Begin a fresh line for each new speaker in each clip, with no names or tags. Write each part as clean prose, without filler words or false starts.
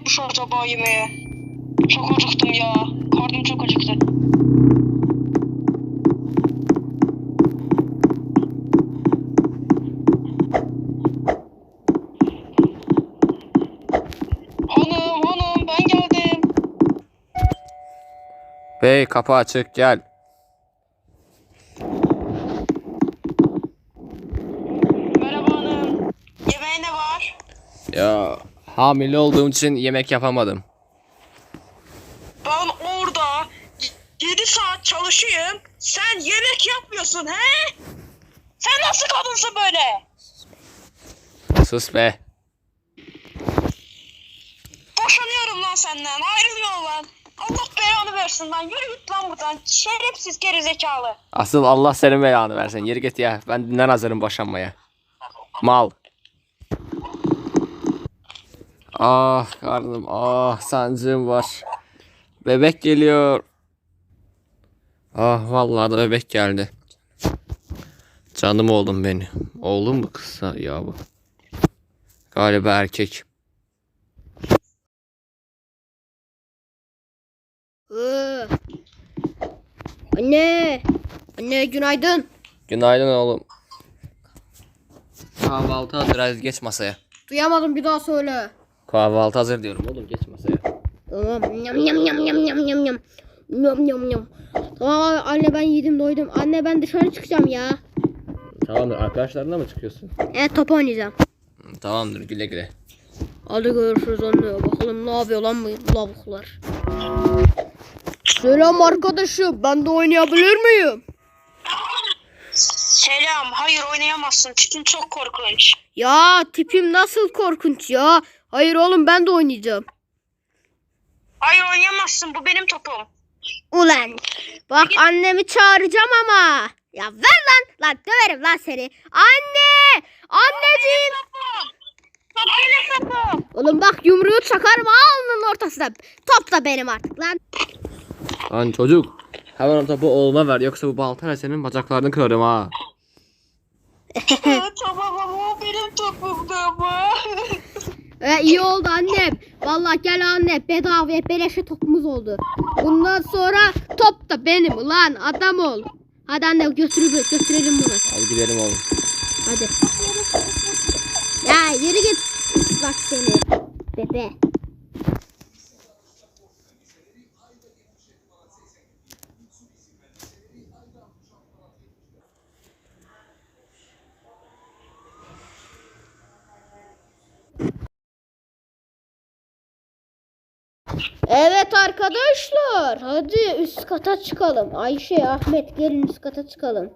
yapmış acaba yemeği? Çok acıktım ya. Karnım çok acıktı. Hanım ben geldim.
Bey kapı açık gel.
Merhaba hanım. Yemeğe ne var?
Ya hamile olduğum için yemek yapamadım.
Ben orada 7 saat çalışayım. Sen yemek yapmıyorsun he? Sen nasıl kadınsın böyle?
Sus be.
Boşanıyorum lan senden. Ayrılıyorum lan. Allah belanı versin lan. Yürü git lan buradan. Şerefsiz gerizekalı.
Asıl Allah senin belanı versin. Yürü git ya. Ben dünden hazırım boşanmaya. Mal. Ah karnım, ah sancım var. Bebek geliyor. Ah vallahi da bebek geldi. Canım oğlum benim. Oğlum mu kızsa ya bu? Galiba erkek.
Anne. Anne günaydın.
Günaydın oğlum. Kahvaltı hazır, hadi geç masaya.
Duyamadım, bir daha söyle.
Kahvaltı hazır diyorum oğlum, geç masaya.
Tamam. Yam yam yam yam yam yam yam. Yam yam yam. Tamam anne, ben yedim doydum. Anne ben dışarı çıkacağım ya.
Tamamdır, arkadaşlarına mı çıkıyorsun?
Evet, top oynayacağım.
Tamamdır, güle güle.
Hadi görüşürüz anne. Bakalım ne yapıyor lan bu lavuklar. Selam arkadaşım. Ben de oynayabilir miyim?
Selam. Hayır oynayamazsın. Tipin çok korkunç.
Ya tipim nasıl korkunç ya. Hayır oğlum, ben de oynayacağım.
Hayır oynayamazsın. Bu benim topum.
Ulan bak, annemi çağıracağım ama. Ya ver lan. Lan döverim lan seni. Anne. Anneciğim.
Top benim topum.
Oğlum bak, yumruğu çakarım alnının ortasına. Top da benim artık lan.
Lan çocuk, hemen o topu oğluma ver, yoksa bu baltayla senin bacaklarını kırarım ha.
Tamam ama o benim topumdu ama.
İyi oldu annem. Vallahi gel anne, bedavaya beleşe topumuz oldu. Bundan sonra top da benim ulan, adam ol. Hadi anne götürelim bunu.
Hadi gidelim oğlum.
Hadi. Ya yürü git. Bak seni. Bebe. Evet arkadaşlar, hadi üst kata çıkalım. Ayşe, Ahmet gelin üst kata çıkalım.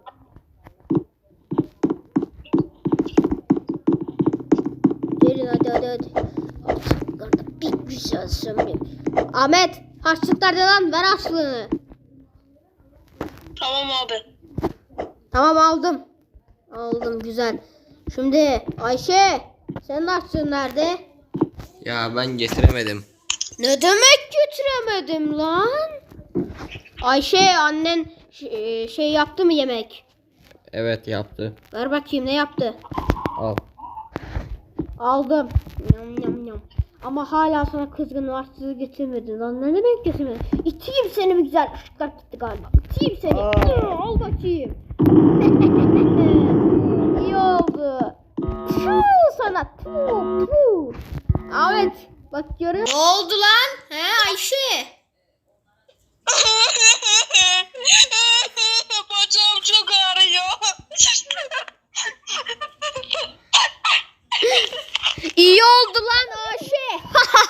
Gelin hadi. Harçlıklarda bir güzel sömüreyim. Ahmet, harçlıklar lan, ver harçlığını.
Tamam abi.
Tamam, aldım. Aldım, güzel. Şimdi Ayşe, senin harçlığın nerede?
Ya ben getiremedim.
Ne demek götüremedim lan? Ayşe, annen şey yaptı mı yemek?
Evet yaptı.
Ver bakayım, ne yaptı?
Al.
Aldım. Yam yam yam. Ama hala sana kızgın, harçlığı getirmedin lan. Ne demek getirmedin? İteyim seni bir güzel. Işıklar gitti galiba. İteyim seni. Al bakayım. İyi oldu. Tüh sana. Tüh. Ahmet, bak görün. Ne oldu lan? He Ayşe?
Bacağım çok ağrıyor.
İyi oldu lan Ayşe.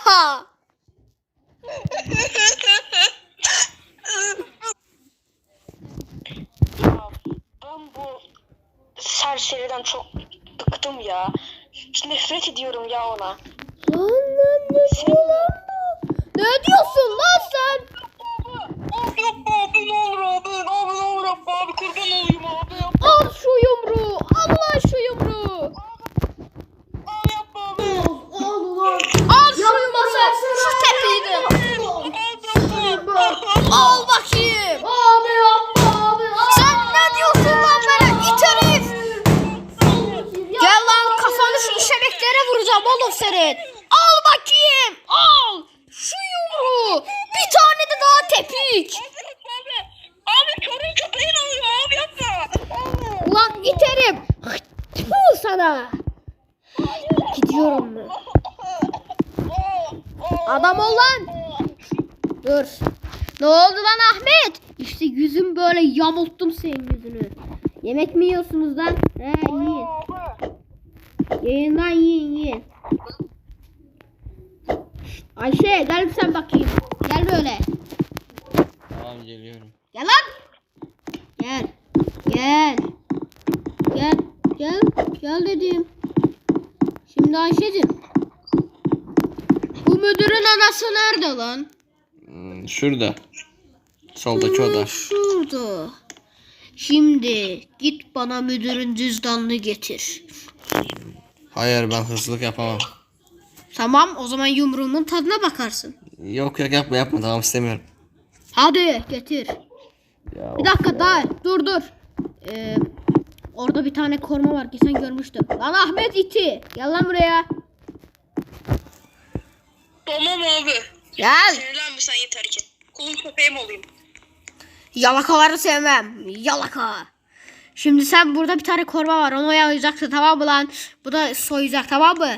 Ben bu serseriden çok bıktım ya. Nefret ediyorum ya ona.
Lan ne diyor lan bu? Ne diyorsun lan sen?
Abi yapma abi, ne olur abi. Abi ne olur yapma abi, kurban olayım abi.
Al şu yumruğu. Al lan şu yumruğu.
Abi yapma abi.
Al ulan. Al şu yumruğu. Şu tepeyi de. Al bakayım. Abi yapma abi. Sen ne diyorsun lan bana? İt herif. Gel lan, kafanı şu işemeklere vuracağım oğlum senin. Al bakayım. Al. Gidiyorum ben. Adam ol lan. Dur. Ne oldu lan Ahmet? İşte yüzüm böyle yamulttum senin yüzünü. Yemek mi yiyorsunuz lan? He yiyin. Yiyin lan yiyin. Ayşe gel sen bakayım. Gel böyle.
Tamam geliyorum.
Gel lan. Gel. Gel. Gel. Gel. Gel dedim. Şimdi Ayşe'cim. Bu müdürün anası nerede lan?
Şurada. Soldaki oda.
Şurada. Şimdi git bana müdürün cüzdanını getir.
Hayır ben hırsızlık yapamam.
Tamam o zaman yumruğumun tadına bakarsın.
Yok yapma tamam istemiyorum.
Hadi getir.
Ya,
Bir dakika daha dur. Orada bir tane koruma var ki sen görmüştüm. Lan Ahmet iti. Gel lan buraya.
Tamam abi.
Gel.
Sinirlenme sen yeter ki. Kulun köpeğim olayım.
Yalakaları sevmem. Yalaka. Şimdi sen burada bir tane koruma var. Onu oyalayacaksın tamam mı lan? Bu da soyacak tamam mı?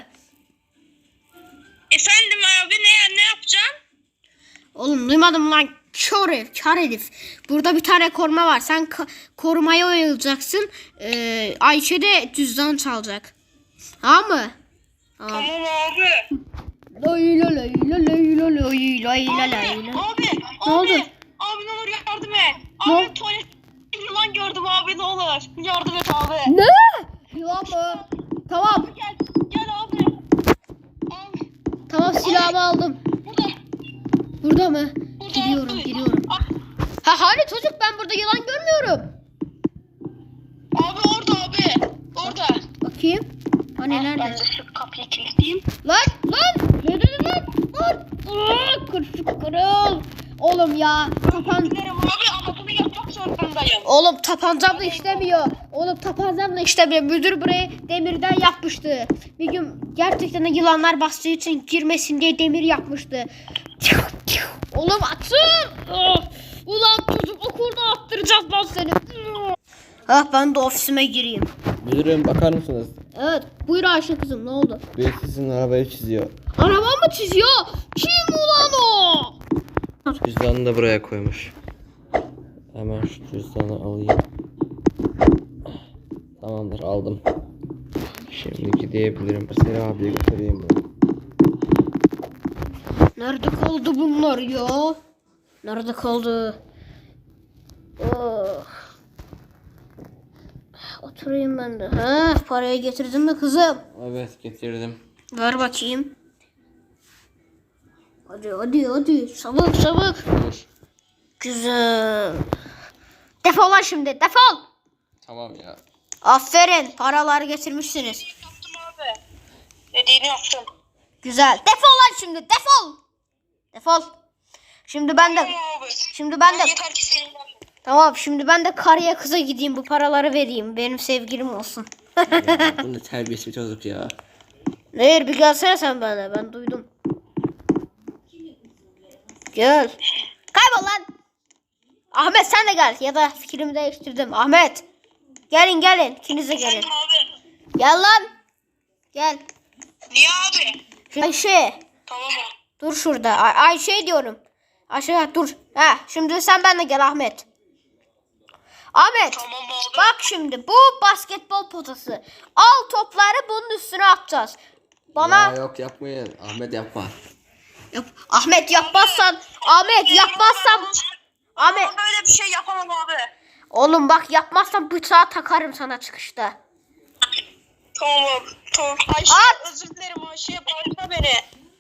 Efendim abi ne yapacaksın?
Oğlum duymadım lan. Kör herif. Burada bir tane koruma var. Sen korumaya oyalayacaksın. Ayşe de cüzdan çalacak. Tamam mı?
Tamam abi.
Lay la lay la lay la lay lay la lay
Abi,
la.
abi,
Ne oldu?
Abi ne olur yardım et.
Ne?
Abi tuvalet yılan gördüm abi ne olur. Yardım et abi.
Ne? Yılan mı? Tamam.
Gel abi. Abi
Tamam silahımı aldım.
burada.
Burada mı?
Burada
Gidiyorum
abi.
gidiyorum.
Abi,
Ha hani çocuk ben burada yılan görmüyorum.
abi orada abi. Orada.
Bakayım. Hani nerede?
Ben de şu kapıyı kilitleyeyim.
Lan! Ne dedin lan? Lan! Kırıl. Oğlum ya.
Dilerim abi ama bunu yapmak zorundayım.
Oğlum tapancam da işlemiyor. Müdür burayı demirden yapmıştı. Bir gün gerçekten de yılanlar bastığı için girmesin diye demir yapmıştı. Oğlum atın. Ulan çocuk okulda attıracağız lan seni. Ben de ofisime gireyim.
Müdürüm bakar mısınız?
Evet buyur Ayşe kızım ne oldu?
Birisi sizin arabayı çiziyor.
Araba mı çiziyor? Kim ulan o?
Cüzdanını da buraya koymuş. Hemen şu cüzdanı alayım. Tamamdır aldım. Şimdi gidebilirim. Seni abiye götüreyim ben.
Nerede kaldı bunlar ya? Nerede kaldı? Oh. Oturayım ben de. Ha, parayı getirdin mi kızım?
Evet getirdim.
Ver bakayım. Hadi. Çabuk.
Dur.
Güzel. Defol lan şimdi. Defol.
Tamam ya.
Aferin. Paraları getirmişsiniz.
Yaptım abi. Dediğini yaptım.
Güzel. Defol lan şimdi. Defol. Şimdi ben de
Tamam abi. Yeter ki seninle.
Tamam şimdi ben de karıya kıza gideyim bu paraları vereyim. Benim sevgilim olsun.
Ya bunun terbiyesi bir çocuk ya.
Hayır bir gelsene sen bana. Ben duydum. Gel. Kaybol lan. Ahmet sen de gel. Ya da fikrimi değiştirdim. Ahmet. Gelin. İkiniz de gelin.
Efendim abi.
Gel lan. Gel.
Niye abi?
Ayşe.
Tamam abi.
Dur şurada. Ayşe diyorum. Ayşe dur. Şimdi sen benimle gel Ahmet. Ahmet.
Tamam abi.
Bak şimdi bu basketbol potası. Al topları bunun üstüne atacağız. Bana
Ya yok yapmayın. Ahmet yapma.
Ahmet yapmazsan Ahmet
Ben böyle bir şey yapamam abi.
oğlum bak yapmazsan bıçağı takarım sana çıkışta.
Tamam abi. Tamam. Ayşe
At.
özür dilerim Ayşe. Bağırma beni.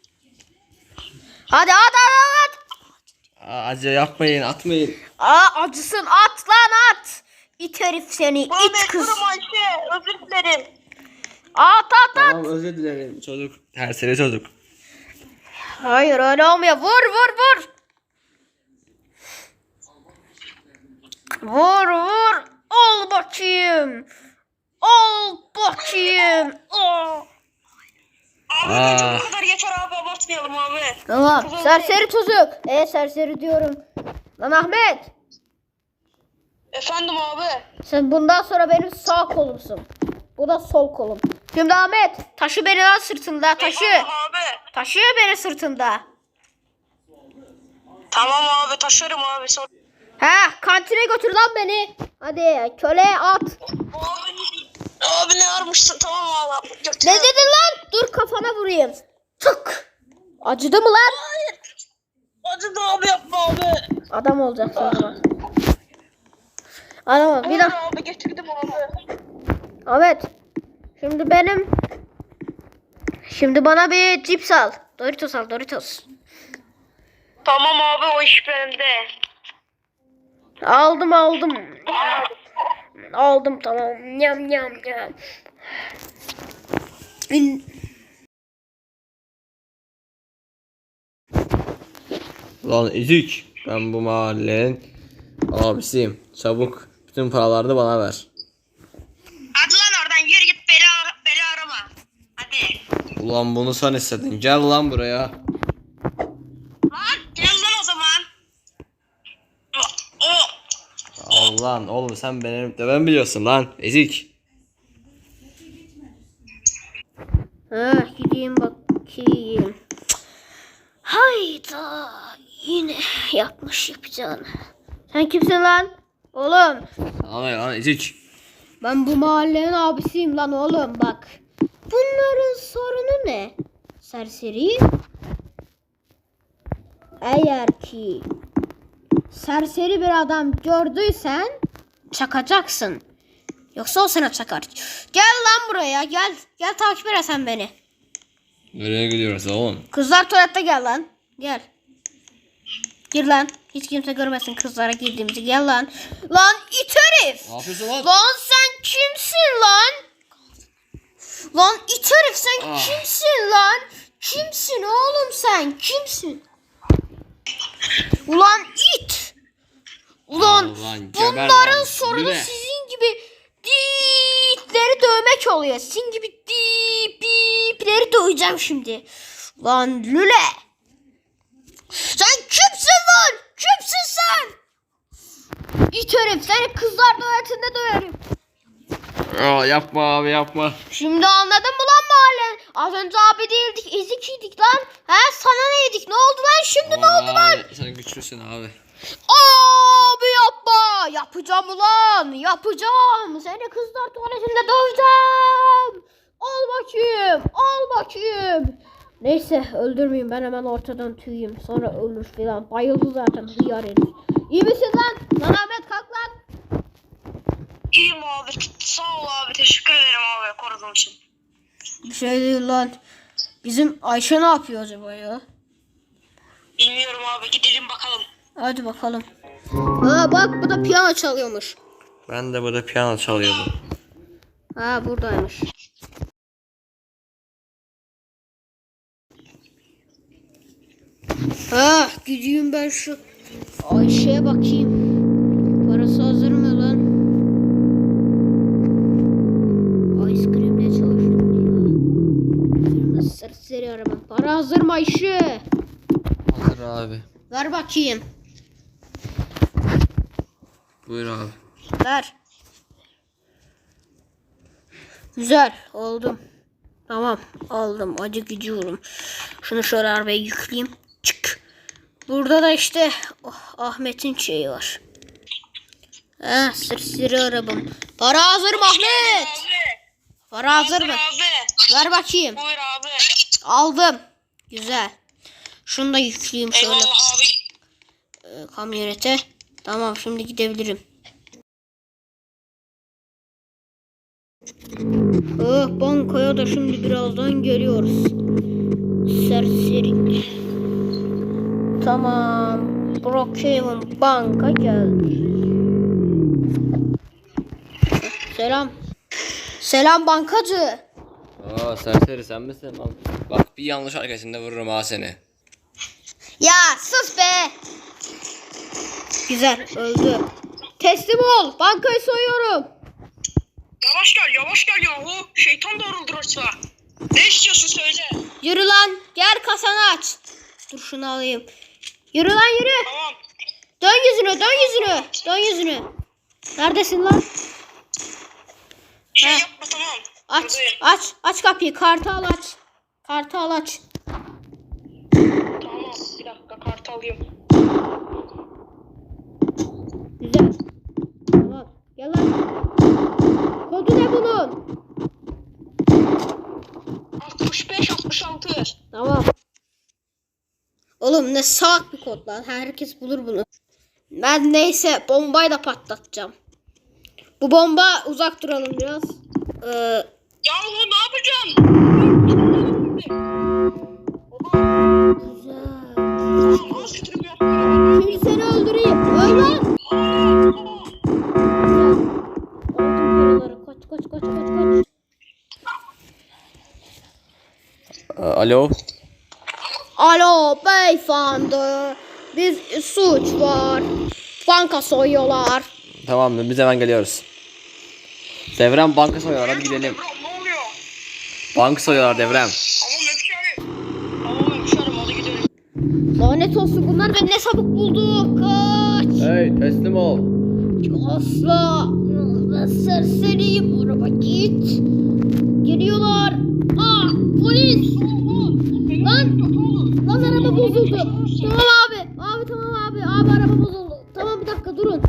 Hadi at.
Acı yapmayın atmayın.
Acısın at lan at. İt herif seni
Buna
it kız.
mecburum Ayşe. Özür dilerim.
At.
Tamam özür dilerim çocuk. Tersine çocuk.
Hayır öyle olmuyor. Vur. Vur. Al bakayım. Oh.
Abi bence bu kadar yeter abi. Abartmayalım abi.
Tamam. Serseri çocuk. Serseri diyorum. Lan Ahmet.
Efendim abi.
Sen bundan sonra benim sağ kolumsun. Bu da sol kolum. Şimdi Ahmet taşı beni lan sırtında taşı.
Eyvallah abi.
Taşıyor beni sırtında.
Tamam abi taşırım abi. Sonra...
He kantine götür lan beni. Hadi köle at.
Abi ne armışsın tamam abi. Götür.
Ne dedin lan? Dur kafana vurayım. Tık. Acıdı mı lan?
Acıdı abi yapma abi.
Adam olacaksın o zaman. Adam ol. Bir
Buyur
dakika.
abi getirdim abi.
Ahmet. Şimdi bana bir cips al. Doritos al Doritos.
Tamam abi o iş bende.
Aldım. Aldım tamam. Yam.
Lan ezik. Ben bu mahallenin abisiyim. Çabuk bütün paralarını bana ver.
Hadi lan oradan yürü git beni arama. Hadi.
Ulan bunu sen istedin. Gel lan buraya.
Lan gel lan o zaman. O.
Al lan oğlum sen benim de ben biliyorsun lan. Ezik.
Ha gideyim bakayım. Hayda. Yine yapacağını. Sen kimsin lan? Oğlum.
Sana lan ezik.
Ben bu mahallenin abisiyim lan oğlum bak. Bunların sorunu ne? Serseri. Eğer ki serseri bir adam gördüysen çakacaksın. Yoksa o sana çakar. Gel lan buraya gel. Gel takip et sen beni.
Nereye gidiyoruz oğlum?
Kızlar tuvalette gel lan. Gel. Gir lan. Hiç kimse görmesin kızlara girdiğimizi. Gel lan. Lan it herif.
Ne yapıyorsun lan?
Lan sen kimsin lan? Lan it herif sen kimsin lan? Kimsin oğlum sen? Kimsin? Ulan it. Ulan
Ulan geber
bunların
lan.
sorunu
Yürü.
sizin gibi diitleri dövmek oluyor. Sizin gibi bipleri döveceğim şimdi. Lan lüle. Sen kimsin lan? Kimsin sen? İt herif seni kızlar tuvaletinde döverim.
Aa, yapma abi yapma.
Şimdi anladın mı lan mahallen? Az önce abi değildik ezikiydik lan. He sana neydik? Ne oldu lan şimdi ne oldu lan?
Abi, sen güçlüsün abi.
Abi yapma. Yapacağım ulan. Yapacağım. Seni kızlar tuvaletinde döveceğim. Al bakayım. Neyse öldürmeyeyim ben hemen ortadan tüyeyim. Sonra ölür filan. Bayıldı zaten hıyar herif. İyi misin lan? Lan Ahmet kalk lan.
İyiyim abi. Sağ ol abi. Teşekkür ederim abi koruduğun için.
Bir şey değil lan. Bizim Ayşe ne yapıyor acaba ya?
Bilmiyorum abi. Gidelim bakalım.
Hadi bakalım. Aa bak bu da piyano çalıyormuş.
Ben de burada piyano çalıyordum.
Ha buradaymış. Ha gideyim ben şu Ayşe'ye bakayım. Parası hazır mı lan? Ice cream'de çalıştım. Firma serseri arama. Para hazır mı Ayşe?
Hazır abi.
Ver bakayım.
Buyur abi.
Ver. Güzel oldum. Tamam aldım acı gidiyorum. Şunu şöyle arabaya yükleyeyim. Çık. Burada da işte Ahmet'in şeyi var. Sırsırı arabam. Para hazır mı Ahmet?
Abi.
Para hazır mı?
Abi.
Ver bakayım.
Buyur abi.
Aldım. Güzel. Şunu da yükleyeyim şöyle
Eyvallah abi.
kamyonete. Tamam şimdi gidebilirim. Bankaya da şimdi birazdan geliyoruz. Serseri. Tamam. Brookhaven banka geldi. Selam. Selam bankacı.
Aa serseri sen misin lan? Bak bir yanlış hareketinde vururum ha seni.
Ya sus be. Güzel öldü. Teslim ol. Bankayı soyuyorum.
Yavaş gel yahu. Şeytan doğruldur orta. Ne istiyorsun söyle.
Yürü lan. Gel kasanı aç. Dur şunu alayım. Yürü lan yürü.
Tamam.
Dön yüzünü. Neredesin lan?
Şey
Ha.
yapma tamam.
Aç. Aç kapıyı. Kartal aç. Kartal aç.
Tamam bir dakika kartı alayım.
Güzel. Tamam. Gel lan. Kodu ne bunun?
65-66.
Tamam. Oğlum ne salak bir kod lan. Herkes bulur bunu. Ben neyse bombayı da patlatacağım. Bu bomba uzak duralım biraz.
Yahu ne yapacağım?
Güzel.
Tamam az kötülük yapıyorum.
Şimdi seni öldüreyim. Öl lan. Güzel. Aldım paraları. Kaç.
Alo.
Alo beyefendi. Bir suç var. Banka soyuyorlar.
Tamam biz hemen geliyoruz. Devrem banka soyuyorlar, hadi gidelim.
Ne oluyor?
Banka soyuyorlar Devrem.
Tamam hemşerim. Tamam hemşerim hadi gidelim.
Lanet olsun bunlar beni ne çabuk buldu. Kaç.
Hey teslim ol.
Asla. Ben serseriyim. Araba git. Geliyorlar. Aa polis. Lan araba bozuldu. Tamam abi. Abi tamam abi. Abi araba bozuldu. Tamam bir dakika durun.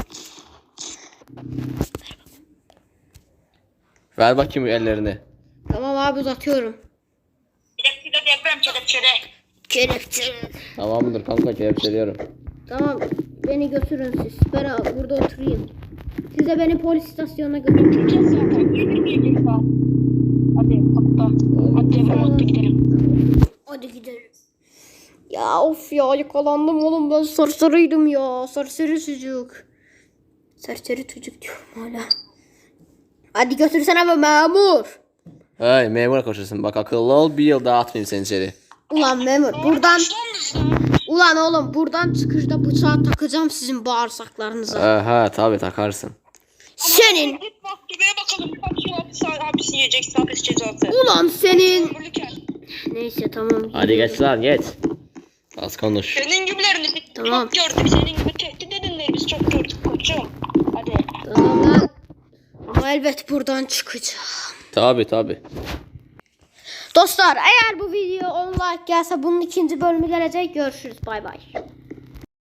Ver bakayım ellerini.
Tamam abi uzatıyorum.
Kelepçede deprem kelepçede.
Kelepçe.
Tamamdır kanka, kelepçeliyorum.
Tamam beni götürün siz. Ben burada oturayım. Size beni polis istasyonuna götürün.
Gideceğiz zaten. Gelir saat. Hadi hatta. Hadi devrem hatta gidelim.
Hadi gidelim. Ya of ya yakalandım oğlum, ben sarsarıydım ya. Sarsarı çocuk. Sarsarı çocuk diyorum hala. Hadi götürsene be memur.
Hey memur koşuyorsun, bak akıllı ol, bir yıl daha atmayayım seni içeri.
Ulan memur buradan. Ulan oğlum buradan çıkışta bıçağı takacağım sizin bağırsaklarınıza.
Aha tabi takarsın.
Senin.
Git mahkemeye bakalım. Kaç yıl hapis yiyeceksin, hapis cezası.
Ulan senin.
Ömürlüken.
Neyse tamam.
Hadi geç lan geç. Az konuş.
Senin gibilerini biz
Tamam.
çok gördük. Senin gibi tehdit edenleri biz çok gördük koçum. Hadi.
Tamam lan. Ama elbet buradan çıkacağım.
Tabi.
Dostlar eğer bu video 10 like gelse bunun ikinci bölümü gelecek. Görüşürüz. Bay bay.